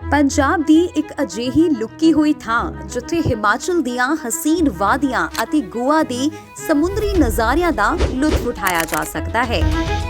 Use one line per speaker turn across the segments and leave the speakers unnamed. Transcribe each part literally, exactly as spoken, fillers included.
ਪੰਜਾਬ ਦੀ ਇੱਕ ਅਜਿਹੀ ਲੁਕੀ ਹੋਈ ਥਾਂ ਜਿੱਥੇ ਹਿਮਾਚਲ ਦੀਆਂ ਹਸੀਨ ਵਾਦੀਆਂ ਅਤੇ ਗੋਆ ਦੀ ਸਮੁੰਦਰੀ ਨਜ਼ਾਰਿਆਂ ਦਾ ਲੁਤਫ ਉਠਾਇਆ ਜਾ ਸਕਦਾ ਹੈ।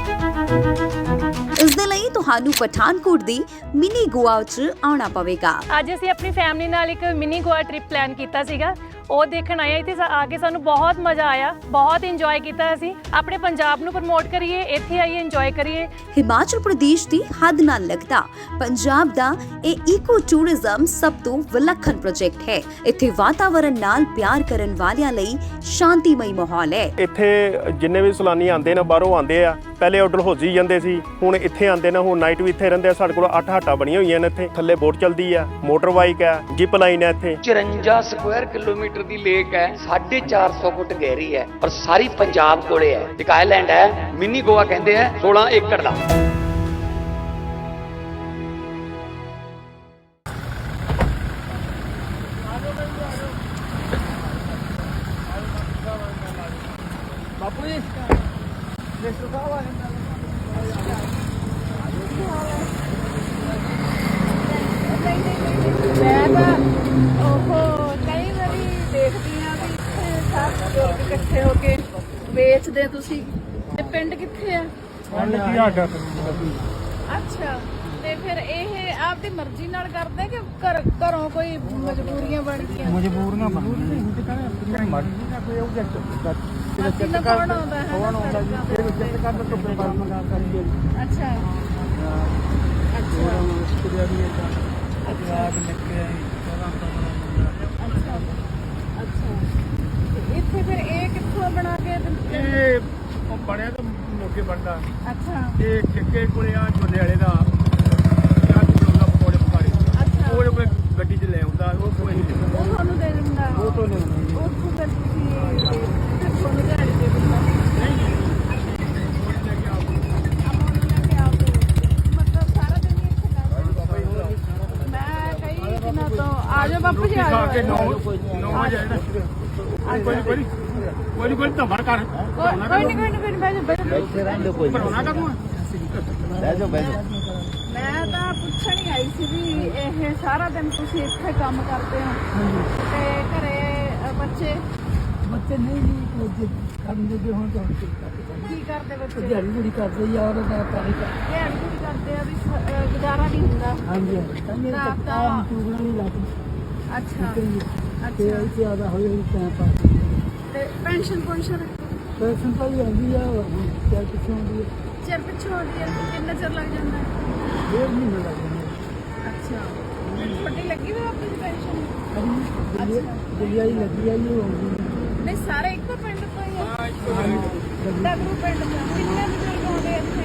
ਇਸ ਦੇ ਲਈ ਤੁਹਾਨੂੰ ਪਠਾਨਕੋਟ ਦੀ ਮਿਨੀ ਗੋਆ 'ਚ ਆਉਣਾ ਪਵੇਗਾ।
ਅੱਜ ਅਸੀਂ ਆਪਣੀ ਫੈਮਿਲੀ ਨਾਲ ਇੱਕ ਮਿਨੀ ਗੋਆ ਟ੍ਰਿਪ ਪਲਾਨ ਕੀਤਾ ਸੀਗਾ, ਉਹ ਦੇਖਣ ਆਏ ਇੱਥੇ ਆ ਕੇ ਸਾਨੂੰ ਬਹੁਤ ਮਜ਼ਾ ਆਇਆ, ਬਹੁਤ ਇੰਜੋਏ ਕੀਤਾ। ਅਸੀਂ ਆਪਣੇ ਪੰਜਾਬ ਨੂੰ ਪ੍ਰਮੋਟ ਕਰੀਏ, ਇੱਥੇ ਆਈਏ ਇੰਜੋਏ ਕਰੀਏ।
ਹਿਮਾਚਲ ਪ੍ਰਦੇਸ਼ ਦੀ ਹੱਦ ਨਾਲ ਲੱਗਦਾ ਪੰਜਾਬ ਦਾ ਇਹ ਈਕੋ ਟੂਰਿਜ਼ਮ ਸਭ ਤੋਂ ਵਿਲੱਖਣ ਪ੍ਰੋਜੈਕਟ ਹੈ। ਇੱਥੇ ਵਾਤਾਵਰਣ ਨਾਲ ਪਿਆਰ ਕਰਨ ਵਾਲਿਆਂ ਲਈ ਸ਼ਾਂਤੀਮਈ ਮਾਹੌਲ ਹੈ।
ਇੱਥੇ ਜਿੰਨੇ ਵੀ ਸੈਲਾਨੀ ਆਉਂਦੇ ਨੇ, ਬਾਹਰੋਂ ਆਉਂਦੇ ਆ, ਪਹਿਲੇ ਆਰਡਰ ਹੋਜੀ ਜਾਂਦੇ ਸੀ, ਹੁਣ ਇੱਥੇ ਆਉਂਦੇ ਨੇ, ਹੁਣ ਨਾਈਟ ਵੀ ਇੱਥੇ ਰਹਿੰਦੇ ਆ। ਸਾਡੇ ਕੋਲ ਅੱਠ ਹੱਟਾਂ ਬਣੀਆਂ ਹੋਈਆਂ ਨੇ ਇੱਥੇ, ਥੱਲੇ ਬੋਟ ਚੱਲਦੀ ਆ, ਮੋਟਰ ਬਾਈਕ ਹੈ, ਜਿਪ ਲਾਈਨ ਹੈ। ਇੱਥੇ
ਚੁਰੰਜਾ ਸਕੁਆਇਰ ਕਿਲੋਮੀਟਰ ਦੀ ਲੇਕ ਹੈ, ਸਾਢੇ ਚਾਰ ਸੌ ਫੁੱਟ ਗਹਿਰੀ ਹੈ, ਪਰ ਸਾਰੀ ਪੰਜਾਬ ਕੋਲੇ ਹੈ। ਇੱਕ ਆਈਲੈਂਡ ਹੈ, ਮਿਨੀ ਗੋਆ ਕਹਿੰਦੇ ਆ, ਸੋਲਾਂ ਏਕੜ ਦਾ।
ਬਾਪੂ ਜੀ ਮਿਸਟਰ ਸਾਹਿਬ ਆ ਜਾਂਦੇ
ਮੈਂ ਤਾਂ ਉਹ ਕਈ ਵਾਰੀ ਦੇਖਦੀ ਹਾਂ ਵੀ ਇੱਥੇ ਸਭ ਲੋਕ ਇਕੱਠੇ ਹੋ ਕੇ ਵੇਚਦੇ। ਤੁਸੀਂ ਤੇ ਪਿੰਡ ਕਿੱਥੇ ਆ? ਅੱਛਾ, ਤੇ ਫਿਰ ਇਹ ਆਪਦੀ ਮਰਜ਼ੀ ਨਾਲ ਕਰਦੇ ਕਿ ਘਰ ਘਰੋਂ ਕੋਈ ਮਜਬੂਰੀਆਂ ਬਣ ਗਈਆਂ?
ਮਜਬੂਰੀਆਂ ਬਣ ਗਈਆਂ, ਮਰਜ਼ੀ ਦਾ ਕੋਈ ਆਬਜੈਕਟ
ਅਸੀਂ ਨਾ ਕੌਣ ਆਉਂਦਾ ਹੈ
ਕੌਣ ਆਉਂਦਾ ਜੀ, ਫਿਰ ਚੈੱਕ ਕਰ ਤੋਂ ਬਾਅਦ ਮੰਗਾ ਕਰੀਏ।
ਅੱਛਾ ਅੱਛਾ
ਸ਼ੁਕਰੀਆ ਵੀ ਹੈ ਆ ਕੇ ਨਿਕਲੇ
ਅੱਛਾ ਅੱਛਾ। ਤੇ ਇੱਥੇ ਫਿਰ ਇਹ ਕਿੱਥੋਂ ਬਣਾ ਕੇ ਦਿੰਦੇ?
ਇਹ ਬਣਿਆ ਤਾਂ ਮੋਕੇ ਬਣਦਾ।
ਅੱਛਾ
ਇਹ ਠੇਕੇ ਕੋਲੇ ਆ ਝੋਨੇ ਵਾਲੇ ਦਾ ਪਕੌੜੇ ਪਕਾੜੇ,
ਅੱਛਾ,
ਉਹ ਕੋਈ ਗੱਡੀ 'ਚ ਲੈ ਆਉਂਦਾ, ਉਹ ਕੋਈ ਨਹੀਂ ਦਿੰਦਾ,
ਉਹ ਤੁਹਾਨੂੰ ਦੇ ਦਿੰਦਾ।
ਉਹ ਤੋਂ ਨਹੀਂ ਆਉਂਦਾ।
ਉੱਥੋਂ ਫਿਰ ਤੁਸੀਂ ਫਿਰ ਤੁਹਾਨੂੰ ਦਿਹਾੜੀ ਦੇ ਦਿੰਦਾ?
ਨਹੀਂ ਨਹੀਂ
ਮਤਲਬ ਸਾਰਾ ਦਿਨ ਹੀ ਇੱਥੇ ਲੱਗਦਾ? ਮੈਂ ਕਈ ਦਿਨਾਂ ਤੋਂ ਆ ਜਾਓ ਬਾਪੂ ਜੀ, ਆ
ਖਾ ਕੇ
ਜਾਓ।
ਨੌ ਨੌ ਵਜੇ ਆਣਾ। ਕੋਈ ਕੋਈ ਕੋਈ ਕੋਈ ਤਾਂ ਭਰ ਕਰ
ਕੋਈ ਨਹੀਂ ਕੋਈ ਨਹੀਂ ਬਹਿ ਜਾਓ ਬਹਿ ਜਾਓ।
ਭਰੋਣਾ ਕਰੂੰ ਬਹਿ ਜਾਓ ਬਹਿ ਜਾਓ।
ਮੈਂ ਤਾਂ ਪੁੱਛਣ ਹੀ ਆਈ ਸੀ ਵੀ ਇਹ ਸਾਰਾ ਦਿਨ ਤੁਸੀਂ ਇੱਥੇ ਕੰਮ ਕਰਦੇ ਹੋ ਤੇ ਘਰੇ ਅ, ਬੱਚੇ
ਬੱਚੇ ਨਹੀਂ ਜੀ ਕਰਨ ਦੇ ਹੁਣ ਤਾਂ
ਕੀ ਕਰਦੇ? ਬੱਚੇ
ਦਿਹਾੜੀ ਬੜੀ ਕਰਦੇ ਯਾਰ ਦਾ ਪਾਣੀ ਦਾ।
ਦਿਹਾੜੀ ਪੂਰੀ ਕਰਦੇ ਆ ਵੀ ਸ- ਅ, ਗੁਜ਼ਾਰਾ ਨਹੀਂ ਹੁੰਦਾ।
ਹਾਂਜੀ ਹਾਂਜੀ
ਤਾਂ
ਤਾਂ
ਤਾਂ-
ਟੂਗਣਾ ਨਹੀਂ ਲੱਗਦੀ
ਅੱਛਾ
ਤੇ
ਅੱਛਾ।
ਇੱਥੇ ਆਦਾ ਹੋਏ ਟਾਈਮ ਪਾਸ।
ਤੇ ਪੈਨਸ਼ਨ ਪੈਨਸ਼ਨ
ਪੈਸੇ ਤਾਂ ਹੀ ਆਉਂਦੀ ਆ, ਕਿਆ ਕਿੱਥੋਂ ਆਉਂਦੀ ਹੈ?
ਚਿਰ ਪਿੱਛੋਂ ਆਉਂਦੀ ਹੈ? ਕਿੰਨਾ ਚਿਰ ਲੱਗ ਜਾਂਦਾ ਹੈ?
ਡੇਢ ਮਹੀਨਾ ਲੱਗ ਜਾਂਦਾ।
ਅੱਛਾ, ਤੁਹਾਡੀ ਲੱਗੀ ਵੀ ਆਪਣੀ ਪੈਨਸ਼ਨ?
ਹਾਂਜੀ ਦਿੱਲੀ ਆਈ ਲੱਗੀ ਆ ਜੀ ਹੋਊਗੀ।
ਨਹੀਂ ਸਾਰੇ ਇੱਕੋ ਪਿੰਡ ਤੋਂ ਹੀ ਆ? ਡਗਰੂ ਪਿੰਡ ਤੋਂ ਕਿੰਨੇ ਬਜ਼ੁਰਗ ਆਉਂਦੇ ਇੱਥੇ?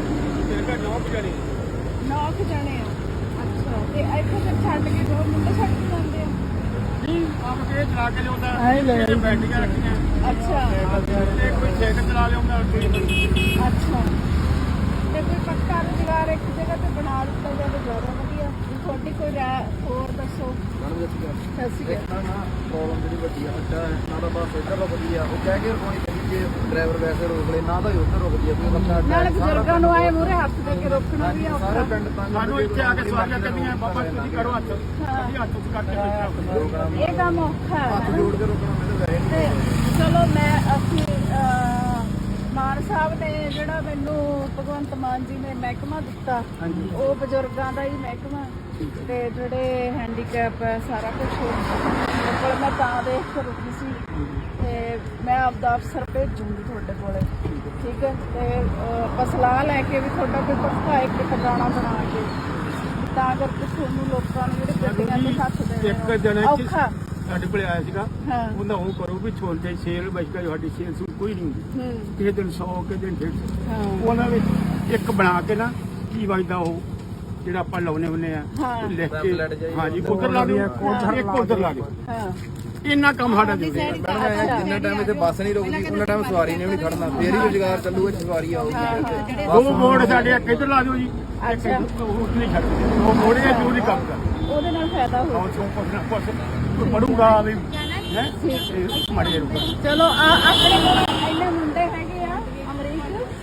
ਨੌ ਵਜੇ
ਨੌ ਕੁ ਜਣੇ ਆ। ਅੱਛਾ, ਤੇ ਇੱਥੇ ਫਿਰ ਛੱਡ ਕੇ ਦੋ ਮੁੰਡੇ ਛੱਡ ਕੇ ਜਾਂਦੇ ਆ?
ਨਹੀਂ ਆਪ ਕੇ ਚਲਾ ਕੇ ਲਿਆਉਂਦਾ,
ਐਂ ਲੈ ਆਈ।
ਬੈਟਰੀਆਂ ਰੱਖੀਆਂ
ਅੱਛਾ
ਤੇ ਕੋਈ ਸਾਈਕਲ ਚਲਾ ਲਿਆਉਂਦਾ।
ਅੱਛਾ, ਤੇ ਕੋਈ ਪੱਕਾ ਰੁਜ਼ਗਾਰ ਇੱਕ ਜਗ੍ਹਾ ਤੇ ਬਣਾ ਦਿੱਤਾ ਜਾਵੇ ਜ਼ਿਆਦਾ ਵਧੀਆ। ਤੁਹਾਡੀ ਕੋਈ ਰਾਏ ਹੋਰ ਦੱਸੋ। ਸਤਿ ਸ਼੍ਰੀ ਅਕਾਲ।
ਪ੍ਰੋਬਲਮ ਜਿਹੜੀ ਵੱਡੀ ਆ ਅੱਡਾ ਹੈ ਨਾ, ਤਾਂ ਬਸ ਇੱਧਰ ਰੁਕਦੀ ਆ, ਉਹ ਕਹਿ ਕੇ ਰੁਕਣੀ ਚਾਹੀਦੀ ਜੇ ਡਰਾਈਵਰ ਵੈਸੇ ਰੋਕ ਲੈ, ਨਾ ਤਾਂ ਹੀ ਉੱਧਰ ਰੁਕਦੀ ਆ ਕੋਈ ਬੰਦਾ।
ਨਾਲੇ ਬਜ਼ੁਰਗਾਂ ਨੂੰ ਆਏ ਮੂਹਰੇ ਹੱਥ ਦੇ ਕੇ ਰੋਕਣਾ ਵੀ ਔਖਾ।
ਸਾਰੇ ਪਿੰਡ ਤੰਗ
ਸਾਨੂੰ ਇੱਥੇ ਆ ਕੇ ਸਵਾਰੀਆਂ ਕਰਦੀਆਂ, ਬਾਬਾ ਤੁਸੀਂ ਕਰੋ ਹੱਥ, ਅਸੀਂ ਹੱਥ ਉੱਚ ਕਰਕੇ ਬੈਠਾ।
ਇਹ ਕੰਮ ਔਖਾ ਹੈ
ਹੱਥ ਜੋੜ ਕੇ ਰੁਕਣਾ ਮੈਨੂੰ ਵੈਸੇ ਨਹੀਂ।
ਤੇ ਚਲੋ ਮੈਂ ਅਸੀਂ ਅਹ, ਮਾਨ ਸਾਹਿਬ ਨੇ ਜਿਹੜਾ ਮੈਨੂੰ ਭਗਵੰਤ ਮਾਨ ਜੀ ਨੇ ਮਹਿਕਮਾ ਦਿੱਤਾ, ਉਹ ਬਜ਼ੁਰਗਾਂ ਦਾ ਹੀ ਮਹਿਕਮਾ ਤੇ ਜਿਹੜੇ ਹੈਂਡੀਕੈਪ ਹੈ ਸਾਰਾ ਕੁਝ ਕੋਲ ਮੈਂ ਤਾਂ ਦੇਖ ਕੇ ਰੁਕੀ ਸੀ। ਤੇ ਮੈਂ ਆਪਦਾ ਅਫਸਰ ਭੇਜੂੰਗੀ ਤੁਹਾਡੇ ਕੋਲੇ, ਠੀਕ ਹੈ? ਤੇ ਆਪਾਂ ਸਲਾਹ ਲੈ ਕੇ ਵੀ ਤੁਹਾਡਾ ਕੋਈ ਪੱਕਾ ਇੱਕ ਟਿਕਾਣਾ ਬਣਾ ਕੇ, ਤਾਂ ਕਰਕੇ ਤੁਹਾਨੂੰ ਲੋਕਾਂ ਨੂੰ ਜਿਹੜੇ ਗੱਡੀਆਂ ਤੇ ਹੱਥ
ਇੱਕ
ਦੇਣੇ
ਜਣੇ
ਔਖਾ।
ਸਾਡੇ ਕੋਲ ਆਇਆ ਸੀਗਾ,
ਹਾਂ
ਉਹਨਾਂ ਉਹ ਕਰੋ ਵੀ ਛੋਲਦੇ ਸੇਲ ਬਚਕਾ ਸਾਡੀ ਸੇਲ ਸੂਲ ਕੋਈ ਨਹੀਂ ਹੁੰਦੀ,
ਹੂੰ
ਕਿਸੇ ਦਿਨ ਸੌ ਕਿਸੇ ਦਿਨ ਡੇਢ ਸੌ।
ਹਾਂ
ਉਹਨਾਂ ਵਿੱਚ ਇੱਕ ਬਣਾ ਕੇ ਨਾ ਕੀ ਵੱਜਦਾ ਉਹ ਜਿਹੜਾ ਆਪਾਂ ਲਾਉਣੇ ਹੁੰਦੇ ਆ
ਹਾਂ
ਲਿਖ ਕੇ, ਹਾਂਜੀ ਉਧਰ ਲਾ ਦਿਓ, ਇੱਕ ਉਧਰ ਲਾ ਦਿਓ।
ਹਾਂ
ਇੰਨਾ ਕੰਮ ਸਾਡਾ ਦੇ ਦਿਓ।
ਜਿੰਨਾ ਟਾਈਮ ਇੱਥੇ ਬੱਸ ਨਹੀਂ ਰੁਕਦੀ ਉਹਨਾਂ ਟਾਈਮ ਸਵਾਰੀ ਨੇ ਵੀ ਨਹੀਂ ਖੜਨਾ, ਫੇਰ ਹੀ ਰੁਜ਼ਗਾਰ ਚੱਲੂਗਾ, ਸਵਾਰੀ ਆਊਗੀ।
ਉਹ ਮੋੜ ਸਾਡੇ ਇੱਕ ਇੱਧਰ ਲਾ ਦਿਓ ਜੀ, ਇੱਕ ਉਹ ਨਹੀਂ ਛੱਡਦੇ, ਉਹ ਮੋੜੇ ਜੋ ਨਹੀਂ ਕੰਮ ਕਰਦਾ।
ਉਹਦੇ ਨਾਲ ਫਾਇਦਾ ਹੋ
ਉਹ ਚੋਂ ਕੁਛ ਨਾ ਕੁਛ ਪੜੂਗਾ ਵੀ ਹੈ ਮਾੜੇ ਰੁਕ।
ਚਲੋ ਆ ਆਪਣੇ ਕੋਲ ਇੰਨੇ ਮੁੰਡੇ ਹੈਗੇ ਆ ਅਮਰੀਕ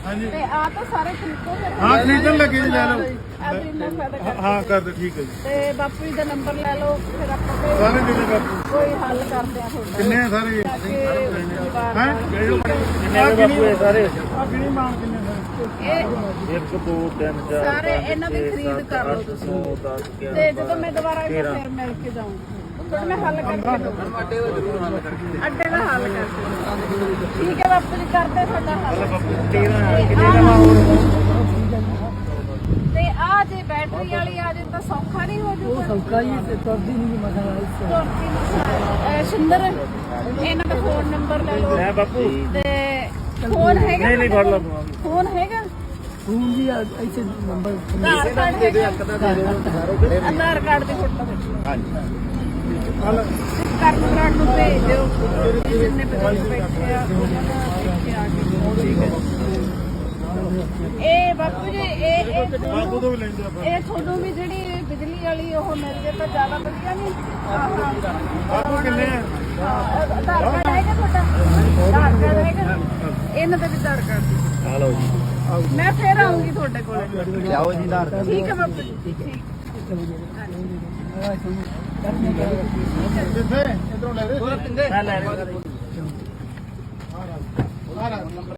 ਹਾਂਜੀ।
ਤੇ ਆ ਤਾਂ ਸਾਰੇ ਖਰੀਦੋ ਫਿਰ
ਹਾਂ ਖਰੀਦਣ ਲੱਗੇ ਜੀ, ਲੈ ਲਓ।
ਆਪਣੀ ਨਾ ਫਾਇਦਾ ਕਰ
ਹਾਂ ਕਰ ਦੇ, ਠੀਕ ਹੈ ਜੀ।
ਤੇ ਬਾਪੂ ਜੀ ਦਾ ਨੰਬਰ ਲੈ ਲਓ, ਫਿਰ ਆਪਾਂ ਕੋਈ-
ਸਾਰੇ ਕਿੰਨੇ ਬਾਪੂ
ਕੋਈ ਹੱਲ ਕਰਦੇ ਆ ਤੁਹਾਡਾ
ਕਿੰਨੇ ਆ ਸਾਰੇ?
ਤਾਂ ਕਿ ਪਰਿਵਾਰ
ਹੈ
ਦਾ-
ਕਿੰਨੇ ਬਾਪੂ ਇਹ ਸਾਰੇ? ਆ ਕਿੰਨੀ ਮਾਂ ਕਿੰਨੇ ਸਾਰੇ?
ਇਹ
ਇੱਕ ਦੋ ਤਿੰਨ
ਸਾਰੇ ਇਹਨਾਂ ਦੀ ਖਰੀਦ ਕਰ ਲਓ ਤੁਸੀਂ ਤੇ ਜਦੋਂ ਮੈਂ ਦੁਬਾਰਾ ਇੱਥੇ ਫਿਰ ਮਿਲ ਕੇ ਜਾਊਂਗੀ ਤੁਹਾਡੇ ਮੈਂ ਹੱਲ ਕਰਕੇ ਦਊਂਗੀ
ਅੱਡੇ ਦਾ ਜ਼ਰੂਰ ਹੱਲ ਕਰਕੇ
ਅੱਡੇ ਦਾ ਹੱਲ ਕਰਕੇ ਠੀਕ ਹੈ ਬਾਪੂ ਜੀ, ਕਰਦੇ ਤੁਹਾਡਾ ਹੱਲ ਤੇ ਆ ਜੇ ਬੈਟਰੀ ਵਾਲੀ ਆ ਜੇ ਤਾਂ ਸੌਖਾ ਨਹੀਂ ਹੋ
ਉਹ
ਜੂਗਾ
ਸੌਕਾ ਹੀ ਤੇ ਤੁਰਦੀ ਨਹੀਂ ਮਸਲਾ ਇਸ
ਤੁਰਦੀ ਨਹੀਂ। ਅਹ ਸ਼ਿੰਦਰ ਇਹਨਾਂ ਦਾ ਫੋਨ ਨੰਬਰ ਲੈ ਲਓ
ਲੈ ਬਾਪੂ
ਤੇ ਫੋਨ ਹੈਗਾ
ਨਹੀਂ, ਨਹੀਂ, ਫੜ ਲਓ।
ਫੋਨ ਹੈਗਾ
ਫੋਨ ਜੀ ਇੱਥੇ ਨੰਬਰ
ਆਧਾਰ ਕਾਰਡ
ਦੇ ਦਿਓ,
ਹੈਗਾ
ਇੱਕ ਦਾ ਦੇ ਦਿਓ ਸਾਰੋ ਬੜੇ
ਆਧਾਰ ਕਾਰਡ ਦੀ ਫੋਟੋ ਖਿੱਚੋ
ਹਲ
ਕਰਨ ਬਰਾੜ ਨੂੰ ਭੇਜ ਦਿਓ ਜਿੰਨੇ ਬਜ਼ੁਰਗ ਬੈਠੇ ਆ ਉਹਨਾਂ ਦਾ ਦੇਖੇ ਆ ਕੇ ਇਹ ਬਾਪੂ ਜੀ ਇਹ ਇਹ
ਬਾਪੂ
ਤੁਹਾਨੂੰ-
ਤੋਂ ਵੀ ਲੈਂਦੇ ਆਪਾਂ।
ਇਹ ਤੁਹਾਨੂੰ ਵੀ ਜਿਹੜੀ ਬਿਜਲੀ ਵਾਲੀ ਉਹ ਮਿਲ ਜੇ ਤਾਂ ਜ਼ਿਆਦਾ ਵਧੀਆ ਨਹੀਂ
ਬਾਪੂ ਕਿੰਨੇ ਆ?
ਆਧਾਰ ਕਾਰਡ ਹੈਗਾ ਤੁਹਾਡਾ ਆਧਾਰ ਕਾਰਡ ਹੈਗਾ ਇਹਨਾਂ ਦਾ ਵੀ ਆਧਾਰ ਕਾਰਡ
ਆ ਲਓ ਜੀ,
ਮੈਂ ਫੇਰ ਆਉਂਗੀ ਤੁਹਾਡੇ ਕੋਲ
ਲਿਆਓ ਜੀ ਆਧਾਰ ਕਾਰਡ।
ਠੀਕ ਹੈ ਬਾਪੂ ਜੀ ਠੀਕ
ਕਿੱਥੇ ਇਧਰੋਂ ਲੈ ਦੇ।
ਮੈਂ ਲੈ ਰਿਹਾ।
ਆ ਰਹਾ।